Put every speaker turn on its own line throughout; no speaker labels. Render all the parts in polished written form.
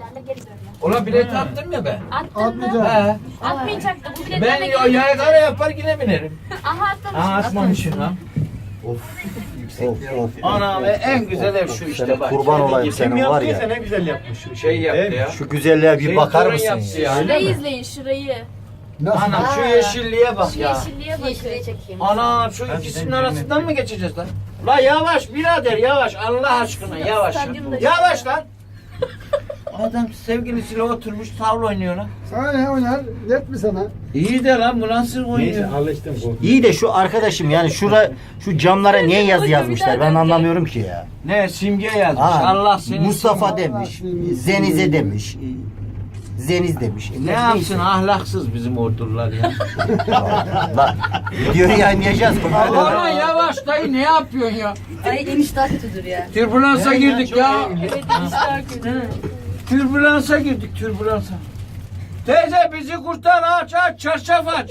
biletlerle geri dönme.
Ulan bileti attım ya ben.
Attın mı?
Atmayacağım.
He.
Atmayacaktı. Bu
Ben
biletlerle geri dönme.
yaygara yapar yine binerim.
Aha atlamışsın.
Aa atmamışım lan.
Of of.
Ana ve en güzel ev şu işte bak.
Kurban olayım senin var ya.
Ne güzel yapmış.
Şey yaptı ya.
Şu güzelliğe bir
Şey,
bakar
torun
mısın
yaptı
ya?
ya.
Şurayı izleyin şurayı.
Nasıl?
Anam şu yeşilliğe bak
Şu
ya.
yeşilliğe bakın.
Ana şu ikisinin arasından mı geçeceğiz lan? La yavaş birader yavaş Allah aşkına yavaş.
Stadyumda
Yavaş lan. Adam sevgilisiyle oturmuş tavla oynuyor lan.
Sana ne oynar? Net mi sana?
İyi de lan bu nasıl oynuyor?
Neyse alıştım bu.
İyi de şu arkadaşım yani şu camlara niye yazı yazmışlar ben anlamıyorum ki ya.
Ne simge yazmış
Ha,
Allah seni.
Mustafa demiş, Zenize demiş, Zeniz demiş.
Ne yapsın ahlaksız bizim ordular ya.
Lan videoyu yayınlayacağız.
Aman yavaş dayı ne yapıyorsun ya?
Ay enişte daha kötüdür ya.
Türbülansa girdik ya.
Evet işte kötü.
Türbülansa girdik türbülansa. Teyze bizi kurtar aç çarşaf aç.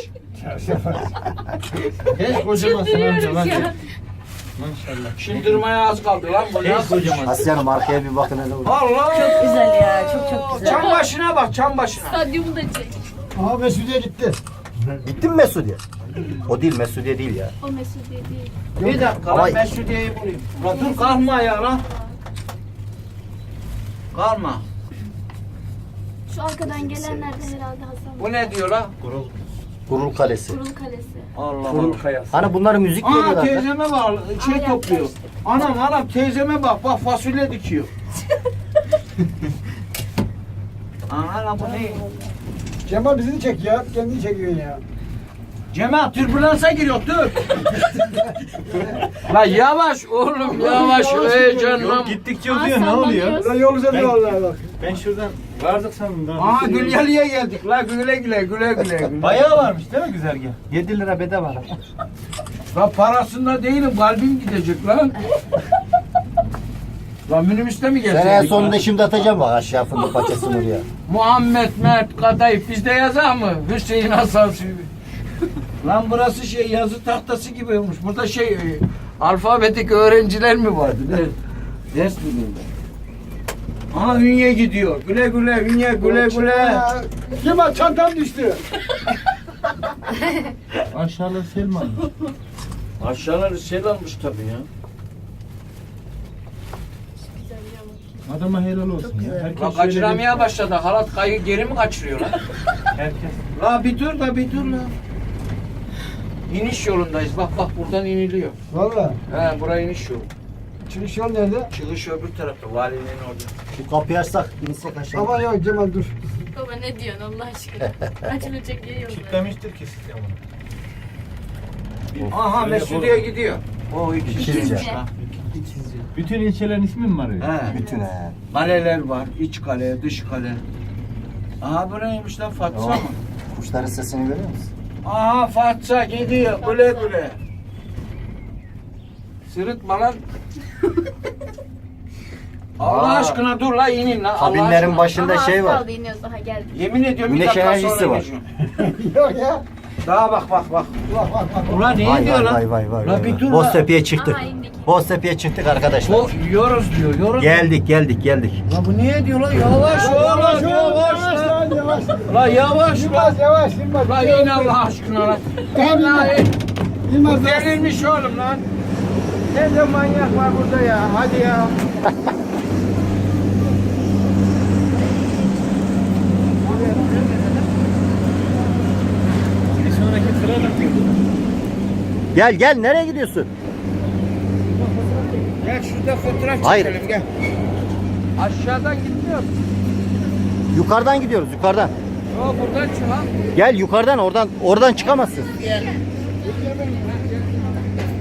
Hiç kocamasın amca lan.
ya.
Maşallah.
Şındırmaya az kaldı lan bu nasıl kocaman.
Aslanım arkaya bir bakın hele.
Allah.
Çok güzel ya. Çok güzel.
Çam başına bak çam başına.
Stadyumu da çek.
Aha Mesudiye gitti.
Gitti mi Mesudiye? O değil Mesudiye değil ya.
O Mesudiye değil.
Bir dakika
Ama-
lan Mesudiye'yi bulayım. Lan dur kalkma ya lan. Kalma.
Şu arkadan gelenler de herhalde Hasan.
Bu ne diyor lan?
Gurul Kalesi.
Kurul Kalesi.
Allah Allah.
Hani bunları müzik
Aa
veriyorlar. lan.
teyzeme bak şey
Aa,
topluyor.
yaklaştı.
Anam teyzeme bak fasulye dikiyor. Ana bu ne?
Cemal bizi çek ya. Kendini çekiyorsun ya.
Cemal türbülansa giriyor dur. La yavaş oğlum yavaş heyecanlan.
Gittikçe uzuyor ne oluyor?
Ulan yol güzel vallahi bak.
Ben şuradan vardık sandım daha.
Aa Gülyalı'ya geldik la güle güle.
Bayağı varmış değil mi güzergah? 7 lira bedava.
La parasında değilim kalbim gidecek lan. Lan minibüste mi
Ben en
gezecek?
sonunda şimdi atacağım bak aşağı fındık paçasını oraya.
Muhammed Mert Kadayıf bizde yazar mı? Hüseyin Hasan Sülvi. Lan burası şey yazı tahtası gibi olmuş. Burada alfabetik öğrenciler mi vardı? Ders mi burada? Aha Hünye gidiyor. Güle Hünye güle.
Ya, Cemal çantam düştü.
Aşağıda Selman.
Aşağıları sel almış tabii ya.
Adama helal olsun ya. Herkes
La
şöyle
kaçıramaya başladı. Halat kayı geri mi kaçırıyor lan?
Herkes.
La bir dur la. İniş yolundayız. Bak buradan iniliyor.
Valla.
He buraya iniş yolu.
Çıkış yol nerede?
Çıkış öbür tarafta. Valinin orada.
Şu kapıyı açsak insek aşağı.
Aman yok Cemal dur.
Baba ne diyorsun Allah aşkına? Açılacak yeri yok.
Kitlemiştir ki sistem onu.
Aha
Öyle
Mesudiye gidiyor. O
İkinci.
ikinci. Ha.
Bütün ilçelerin ismi mi var öyle?
He.
Bütün he.
Kaleler var. İç kale, dış kale. Aha bu neymiş lan Fatsa
Oh.
mı?
Kuşların sesini görüyor musun?
Aha Fatsa gidiyor. Güle. Sırıtma lan. Allah
Aa.
aşkına dur la inin lan. Allah
Kabinlerin
aşkına.
başında
Aha,
şey
az
var.
kaldı iniyoruz daha geldik.
Yemin ediyorum bir
Güneş
dakika
enerjisi
sonra
var.
ineceğim.
Yok ya.
Daha bak.
Bak bak bak.
Ulan ne
Vay
diyor lan?
vay.
La bir dur la.
Boztepe'ye çıktık.
Aha, indik.
Boztepe'ye çıktık arkadaşlar.
O yiyoruz diyor. Yiyoruz.
Geldik.
La bu niye diyor lan? Yavaş oğlum yavaş lan.
Yavaş.
La yavaş lan.
Yavaş.
La in Allah aşkına lan. İn lan in.
Yılmaz yavaş.
Delirmiş oğlum lan. Ne de manyak var burada ya. Hadi ya.
Bir sonraki sıra da
Gel nereye gidiyorsun?
Gel şurada fotoğraf
Hayır.
çekelim gel. Aşağıdan gitmiyor.
Yukarıdan gidiyoruz yukarıdan.
Yo buradan çık ha.
Gel yukarıdan oradan çıkamazsın.